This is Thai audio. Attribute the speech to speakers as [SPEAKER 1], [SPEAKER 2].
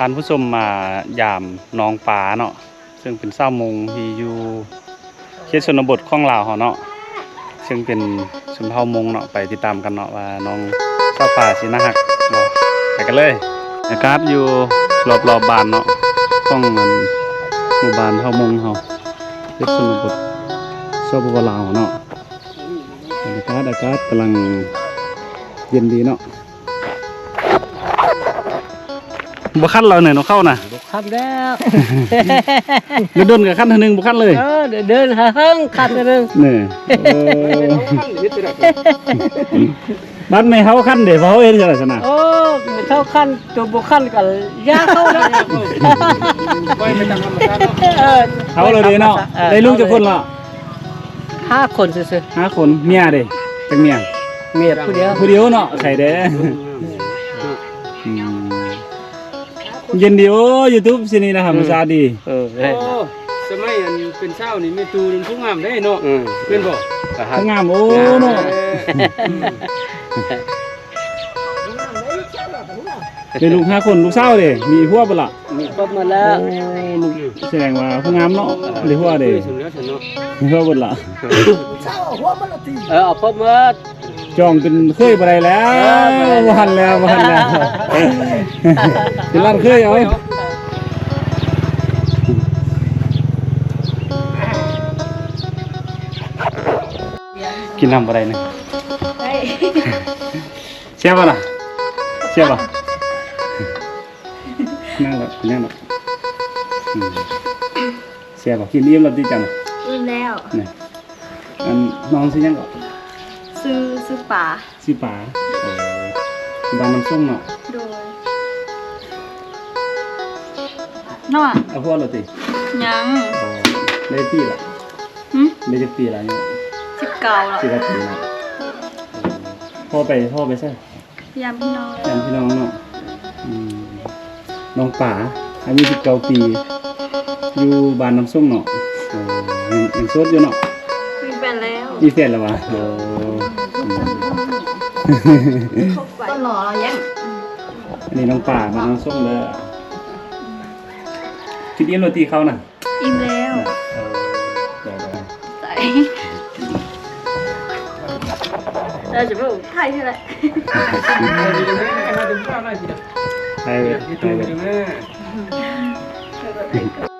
[SPEAKER 1] ท่านผู้ชมมายามน้องปลาเนาะซึ่งเป็นเศร้ามงที่อยู่เขตชนบทของลาวเนาะซึ่งเป็นชนเผ่ามงเนาะไปติดตามกันเนาะว่าน้องเศร้าป่าสิน่าฮักบ่ไปกันเลยอากาศอยู่รอบบ้านเนาะของหมู่บ้านเผ่ามงเฮาเขตชนบทสปปลาวเนาะอากาศกำลังเย็นดีเนาะบุคันเราเนี่ยเราเข้าน่ะ
[SPEAKER 2] บุคันแล้ว
[SPEAKER 1] เดินกับขั้นทีนึงบุคันเลย
[SPEAKER 2] เดินหาห้องคันนึง
[SPEAKER 1] เนี่ยบ้านไม่เข้าขั้นเดี๋ยวเขาเห็นจะอะไรชนะ
[SPEAKER 2] โอ้ไม่เข้าขั้นตัวบุคันกับยาเข้าแล้ว
[SPEAKER 1] เขาเลยดีเนาะได้ลูกจะคนละ
[SPEAKER 2] 5 คนซื่อ
[SPEAKER 1] 5 คนเมียเด้จังเมีย
[SPEAKER 2] ผู้เดียว
[SPEAKER 1] เนาะใครเด้เย็นดีโอ้ยูทูบสินี่นะครับมันซาดี
[SPEAKER 3] สมัยอันเป็นเช้านี่แม่ตูนผู้งามได้เนาะเป็นบ่
[SPEAKER 1] ผู้งามโอ้เนาะเป็นลูก5 คนลูกสาวเด้มีหัวบ่ล่ะ
[SPEAKER 2] มีครบหมดแล้ว
[SPEAKER 1] ลูกแสดงว่าผู้งามเนาะได้หัวเด้มีหัวบ่ล่ะ
[SPEAKER 2] เอาครบหมด
[SPEAKER 1] จองเป็นเคยบ่ได้แล้วบ่ทันแล้วเป็นร้านเคยเอากินน้ำบ่ได้นะเสียบ่ล่ะเสียบ่นั่งแบบเสียบ่กินอิ่มแล้วติจัง
[SPEAKER 4] อิ่มแล้ว
[SPEAKER 1] นี่อันน้องสิยังก็
[SPEAKER 4] ซื้อป่า
[SPEAKER 1] สิป๋าบ้านน้ำส้มเนาะ
[SPEAKER 4] โดยเนาะ
[SPEAKER 1] เอาพวกเราติ
[SPEAKER 4] ยัง
[SPEAKER 1] ได้ปีละได้จะปีละเนี่ย
[SPEAKER 4] 19แล้ว
[SPEAKER 1] 19 ปีนะพ่อไปใช่
[SPEAKER 4] ยามพี่น้
[SPEAKER 1] องเนาะน้องป๋าอายุ19 ปีอยู่บ้านน้ำส้มเนาะยังโสดอยู่เนาะ
[SPEAKER 4] มีแฟน
[SPEAKER 1] แล้ววะ
[SPEAKER 4] ต้นหล่อเรายัง
[SPEAKER 1] อันนี้น้องป่ามาน้องส้มเลยคิดอิ่มโรตีเขาน่ะ
[SPEAKER 4] อิ่มแล้วใส่เราจะไปไทยใช่ไหม
[SPEAKER 1] ไทย